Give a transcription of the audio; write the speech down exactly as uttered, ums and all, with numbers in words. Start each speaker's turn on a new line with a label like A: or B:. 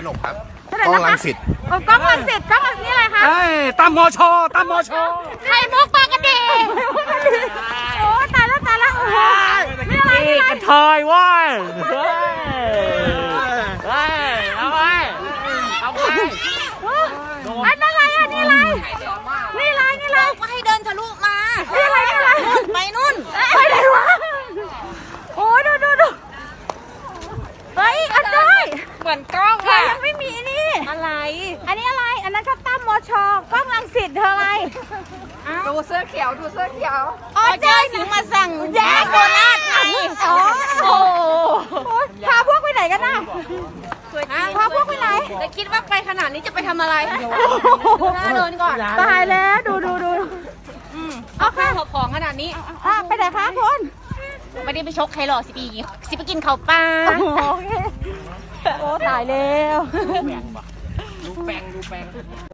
A: นกครับ
B: เท่าไหร่
A: กล้อง
B: นะคะ
A: รังสิต
B: โอ้กล้องรังสิตกล้องรังนี่อะไรคะ
C: เฮ้ยตามมอชอตามมอชอ
B: ไข่มุกปลากระดีโอ้ตายแล้วตายแล้วโอ้โหนี่อะไรนี่อะไร
C: กระเทยเว้ยเฮ้ยเฮ้ยเอาไปเอาไป
B: อันนั้นอะไรอ่ะนี่อะไรนี่อะไรนี่อะไร
D: ก็ให้เดินทะลุมา
B: นี่อะไรนี่อะไร
D: ไปนู่น
B: ไปไหนวะโอ้ดูดูดูเฮ้ยอันด้วย
D: เหมือนกล้อง
B: เธอ
D: อะ
B: ยังไม่มีนี่
D: อะไร
B: อันนี้อะไร อันนั้นก็ตั้มมอชอกล้องรังสิตเธออะไร
D: ดูเสื้อเขียวดูเสื้อเขียว
B: อ๋อเจ้าสิงมาสั่งแย่โคราชไงอ๋อโอ้โหพาพวกไปไหนกันน่ะพาพวกไปไหน
D: จะคิดว่าไปขนาดนี้จะไปทำอะไรน่าเดินก่อน
B: ตายแล้วดูดูดู
D: เอาข้าวหอบของขนาดนี้
B: อ่ะไปไหนคะคุณ
D: ไม่ได้ไปชกใครหรอกสิปีสิไปกินข้าวปลา
B: โอเคโอ้ตายแล้ว
C: ดูแปงดูแปง